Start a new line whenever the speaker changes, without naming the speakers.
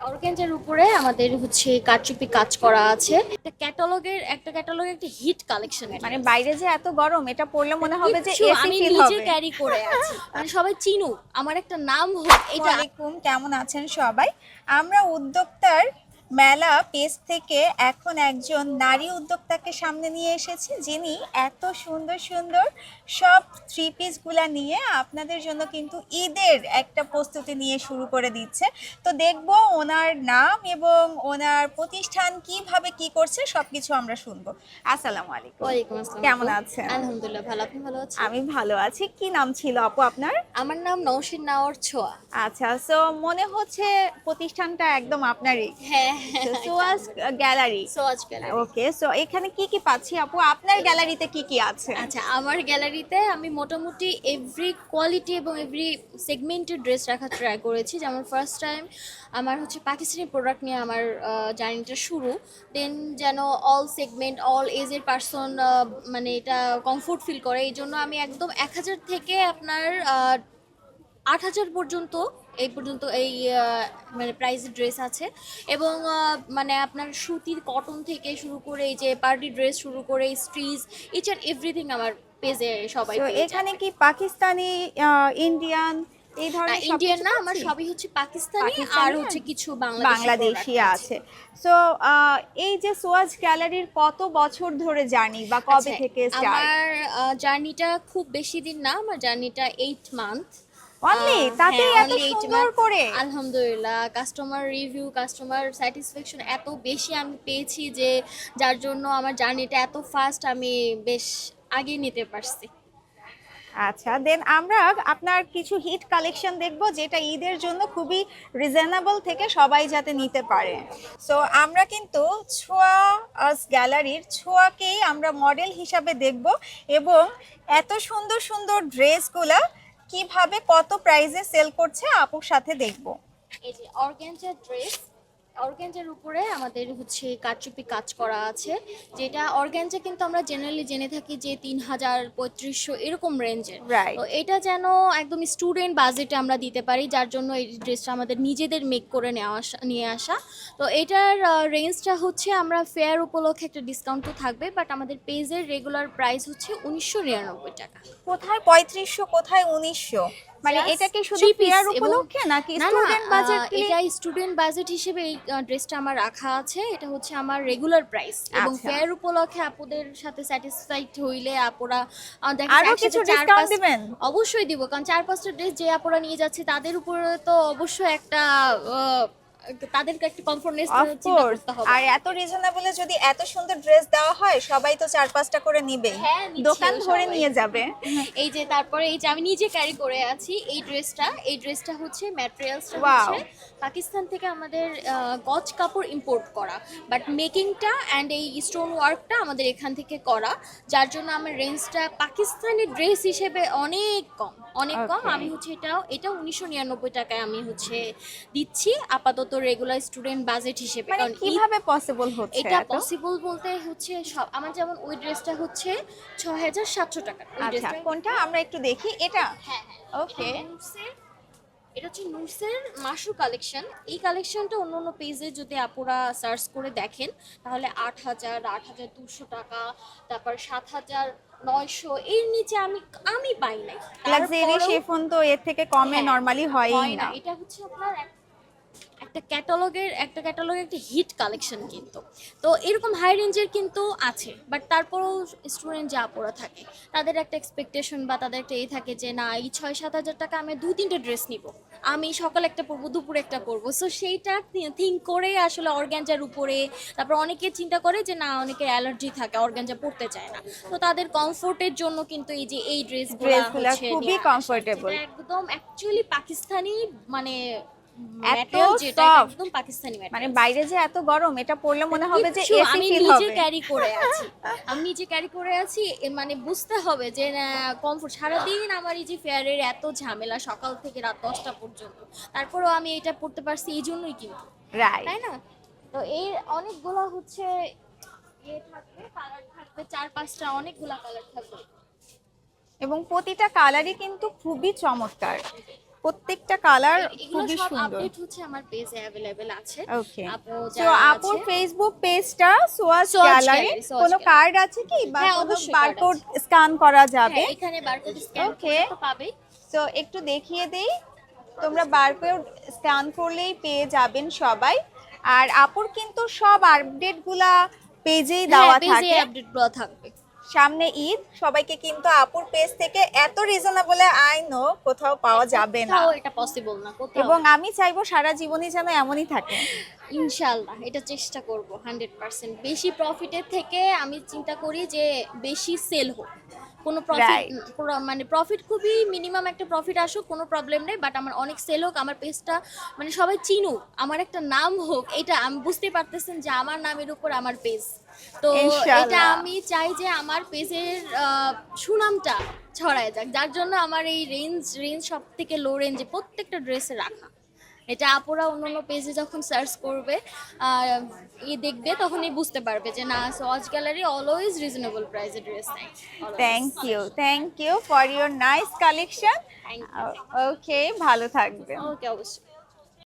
Organza উপরে আমাদের হচ্ছে কারচুপি কাজ করা আছে। একটা ক্যাটালগের একটা হিট কালেকশন।
মানে বাইরে যে এত গরম, এটা পরলে মনে হবে যে
কিচ্ছু
এসি
আমি
ফিল
নিজে
হবে।
ক্যারি করে আছি, মানে সবাই চিনুক, আমার একটা নাম হোক এটা।
ওয়ালাইকুম, কেমন আছেন সবাই? আমরা উদ্যোক্তার মেলা পেজ থেকে এখন একজন নারী উদ্যোক্তাকে সামনে নিয়ে এসেছি, যিনি এত সুন্দর সুন্দর সব থ্রি পিসগুলা নিয়ে আপনাদের জন্য কিন্তু ঈদের একটা প্রস্তুতি নিয়ে শুরু করে দিচ্ছে। তো দেখবো ওনার নাম এবং ওনার প্রতিষ্ঠান কিভাবে কি করছে সবকিছু আমরা শুনবো। আসসালামু আলাইকুম।
ওয়ালাইকুম আসসালাম
কেমন
আপু।
আছেন?
আলহামদুলিল্লাহ ভালো, আপনি ভালো আছেন?
আমি ভালো আছি। কি নাম ছিল আপু আপনার?
আমার নাম নওশিন নাওর ছোঁয়া।
আচ্ছা, সো মনে হচ্ছে প্রতিষ্ঠানটা একদম আপনারই।
হ্যাঁ হ্যাঁ,
Swaz gallery.
Swaz gallery.
Okay, so এখানে কি কি পাচ্ছি আপু? আপনার গ্যালারিতে কি কি আছে?
আচ্ছা, আমার গ্যালারিতে আমি মোটামুটি এভরি কোয়ালিটি এবং এভরি সেগমেন্টের ড্রেস রাখার ট্রাই করেছি। যেমন ফার্স্ট টাইম আমার হচ্ছে পাকিস্তানি প্রোডাক্ট নিয়ে আমার জার্নিটা শুরু। দেন যেন অল সেগমেন্ট অল এজের পারসন মানে এটা কমফোর্ট ফিল করে, এই জন্য আমি একদম 1,000 থেকে আপনার 8,000 পর্যন্ত এই মানে প্রাইসের ড্রেস আছে। এবং মানে আপনার সুতির কটন থেকে শুরু করে এই যে পার্টি ড্রেস শুরু করে স্ট্রিজ ইচ অ্যান্ড এভরিথিং আমার পেজে সবাই
তো
পেয়ে
এখানে
যাবে।
কি পাকিস্তানি, ইন্ডিয়ান এই ধরনের
ইন্ডিয়ান
সবকিছু
না, আমার
পাচ্ছি?
সবই হচ্ছে পাকিস্তানি আর
পাকিস্তানি
হচ্ছে
আর
কিছু বাংলাদেশি
বাংলাদেশি
প্রোডাক্ট
আছে। সো এই যে সোয়াজ গ্যালারির কত বছর ধরে জার্নি বা কবে
আচ্ছা,
থেকে স্টার্ট?
আমার জার্নিটা খুব বেশি দিন না, আমার জার্নিটা 8 মান্থ।
অনলি তাতেই
হ্যাঁ,
এত
অনলি 8 মান্থ।
সুন্দর করে?
আলহামদুলিল্লাহ, কাস্টমার রিভিউ কাস্টমার স্যাটিসফ্যাকশন এত বেশি আমি পেয়েছি যে যার জন্য আমার জার্নিটা এত ফাস্ট আমি বেশ আগে নিতে পারছি।
আচ্ছা, দেন আমরা আপনার কিছু হিট কালেকশন দেখব, যেটা ঈদের জন্য খুবই রিজনেবল থেকে সবাই যাতে নিতে পারে। সো আমরা কিন্তু ছোঁয়া গ্যালারির ছোঁয়াকেই আমরা মডেল হিসাবে দেখব এবং এত সুন্দর সুন্দর ড্রেসগুলা কিভাবে কত প্রাইসে সেল করছে আপুর সাথে দেখব।
এই যে অর্গানজার ড্রেস, অর্গানজার উপরে আমাদের হচ্ছে কারচুপি কাজ করা আছে। যেটা অর্গানজা কিন্তু আমরা জেনারেলি জেনে থাকি যে 3,000 3500 এরকম রেঞ্জের।
রাইট।
তো এটা যেন একদম স্টুডেন্ট বাজেটে আমরা দিতে পারি, যার জন্য এই ড্রেসটা আমাদের নিজেদের মেক করে নিয়ে আসা। তো এটার রেঞ্জটা হচ্ছে আমরা ফেয়ার উপলক্ষে একটা ডিসকাউন্ট তো থাকবে, বাট আমাদের পেজের রেগুলার প্রাইস হচ্ছে 1999 টাকা।
কোথায় 3500, কোথায় 1900? মানে
Just
এটা কি শুধু
three piece
ফেয়ার
এবং
উপলক্ষে নাকি
না না,
স্টুডেন্ট বাজেট?
এটা স্টুডেন্ট বাজেট হিসেবে এই ড্রেসটা আমার রাখা আছে। এটা হচ্ছে আমার রেগুলার প্রাইস এবং
আচ্ছা,
ফেয়ার উপলক্ষে আপুদের সাথে স্যাটিসফাইড হইলে আপুরা দেখা
আরো
যায়
কিছু
একসাথে চার
ডিসকাউন্ট
পাঁচ।
দিবেন?
অবশ্যই দিব, কারণ 4-5টা ড্রেস যে আপুরা নিয়ে যাচ্ছে তাদের উপরে তো অবশ্যই একটা তাদেরকে একটা কমফোর্টনেস চিন্তা
অফকোর্স।
করতে হবে।
আর এত রিজনেবলে যদি এত সুন্দর ড্রেস দেওয়া হয়, সবাই তো 4-5টা করে নিবে,
হ্যাঁ, নিচ্ছেও
দোকান ধরে
সবাই।
নিয়ে যাবে।
এই যে তারপরে এই যে আমি নিজে ক্যারি করে আছি এই ড্রেসটা হচ্ছে ম্যাটেরিয়ালসটা
Wow.
হচ্ছে পাকিস্তান থেকে আমাদের গজ কাপড় ইম্পোর্ট করা, বাট মেকিংটা অ্যান্ড এই স্টোন ওয়ার্কটা আমাদের এখান থেকে করা, যার জন্য আমার রেঞ্জটা পাকিস্তানি ড্রেস হিসেবে অনেক কম, অনেক কম।
Okay.
আমি হচ্ছে এটা 1999 টাকায় আমি হচ্ছে দিচ্ছি আপাতত রেগুলার স্টুডেন্ট বাজেট হিসেবে।
মানে
কারণ
কিভাবে পসিবল হচ্ছে
এটা
এত?
পসিবল বলতে হচ্ছে সব আমার, যেমন ওই ড্রেসটা হচ্ছে 6,700 টাকা ওই
আচ্ছা,
ড্রেসটা।
কোনটা আমরা একটু দেখি এটা।
হ্যাঁ হ্যাঁ,
ওকে।
এটা হচ্ছে নুটসের মাশরু কালেকশন। এই কালেকশনটা অন্য অন্য পেজে যদি আপুরা সার্চ করে দেখেন তাহলে 8,000 8,200 টাকা, তারপর 7,900, এর নিচে আমি পাই নাই।
লাক্সারি
তারপরেও
শিফন তো এর থেকে কমে
হ্যাঁ,
নরমালি হয়ই
হয় না।
না।
এটা হচ্ছে আপনার একটা ক্যাটালগের একটা হিট কালেকশন কিন্তু। তো এরকম হাই রেঞ্জের কিন্তু আছে, বাট তারপরেও স্টুডেন্ট যে আপুরা থাকে তাদের একটা এক্সপেকটেশন বা তাদের একটা থাকে যে না, এই 6-7 হাজার টাকা আমি 2-3টে ড্রেস নিব, আমি সকালে একটা পরবো দুপুরে একটা পরবো। সো সেইটা থিঙ্ক করে আসলে অর্গানজার উপরে, তারপর অনেকে চিন্তা করে যে না, অনেকের অ্যালার্জি থাকে অর্গানজা পরতে চায় না, তো তাদের কমফোর্টের জন্য কিন্তু এই যে এই ড্রেসগুলো
ড্রেসগুলো
হচ্ছে
খুবই
নিয়ে আসা,
কমফোর্টেবল,
যেটা একদম অ্যাকচুয়ালি পাকিস্তানি, মানে
এত
ম্যাটেরিয়াল যেটা এটা
সফট।
একদম পাকিস্তানি
মানে
ম্যাটেরিয়াল।
বাইরে যে এত গরম, এটা পরলে মনে হবে যে
কিচ্ছু
এসি
আমি
ফিল
নিজে
হবে।
ক্যারি করে আছি, আমি নিজে ক্যারি করে আছি। মানে বুঝতে হবে যে কমফোর্ট। সারাদিন আমার এই যে ফেয়ারের এত ঝামেলা সকাল থেকে রাত 10টা পর্যন্ত, তারপরেও আমি এটা পড়তে পারছি এই জন্যই কিন্তু,
রাইট।
তাই না? তো এর অনেকগুলো হচ্ছে থাকবে, কালার থাকবে 4-5টা, অনেকগুলা কালার থাকবে।
এবং প্রতিটা কালারই কিন্তু খুবই চমৎকার। প্রত্যেকটা কালার
এগুলো
খুবই
সব
সুন্দর।
আপডেট হচ্ছে আমার পেজে অ্যাভেলেবেল আছে।
ওকে,
আপু
তো
যারা
আপুর
আছে
ফেসবুক পেজটা Swaz
Swaz
gallery,
gallery, Swaz
কোনো
গ্যালারি।
কার্ড আছে কি বা
হ্যাঁ,
কোনো
অবশ্যই card
বারকোড
আছে।
স্ক্যান করা যাবে?
হ্যাঁ, এখানে বারকোড স্ক্যান
ওকে,
করলে তো পাবেই।
তো একটু দেখিয়ে দেই, তোমরা বারকোড স্ক্যান করলেই পেয়ে যাবেন সবাই। আর আপুর কিন্তু সব আপডেটগুলা পেজেই
হ্যাঁ,
দেওয়া
পেজে
থাকে।
আপডেটগুলো থাকবে।
সামনে ঈদ, সবাইকে কিন্তু আপুর পেজ থেকে এত রিজনেবলে আই নো কোথাও পাওয়া যাবে না,
কোথাও এটা পসিবল না, কোথাও।
এবং আমি চাইবো সারা জীবনই যেন এমনই থাকে।
ইনশাআল্লাহ এটা চেষ্টা করব 100%। বেশি প্রফিটের থেকে আমি চিন্তা করি যে বেশি সেল হোক, কোনো প্রফিট
Right.
মানে প্রফিট খুবই মিনিমাম একটা প্রফিট আসুক, কোনো প্রবলেম নেই, বাট আমার অনেক সেল হোক, আমার পেজটা মানে সবাই চিনুক, আমার একটা নাম হোক। এটা আমি বুঝতে পারতেছেন যে আমার নামের উপর আমার পেজ, তো এটা
ইনশাআল্লাহ।
আমি চাই যে আমার পেজের সুনামটা ছড়ায় যাক, যার জন্য আমার এই রেঞ্জ সব থেকে লো রেঞ্জে প্রত্যেকটা ড্রেসে রাখা। এটা আপুরা অন্য পেজে যখন সার্চ করবে দেখবে, তখনই বুঝতে পারবে যে না, সোয়াজ গ্যালারি অলওয়েজ রিজনেবল প্রাইসে ড্রেস নেয়।
Thank you for your nice collection.
Thank you.
Okay, ভালো থাকবে।
ওকে, অবশ্যই।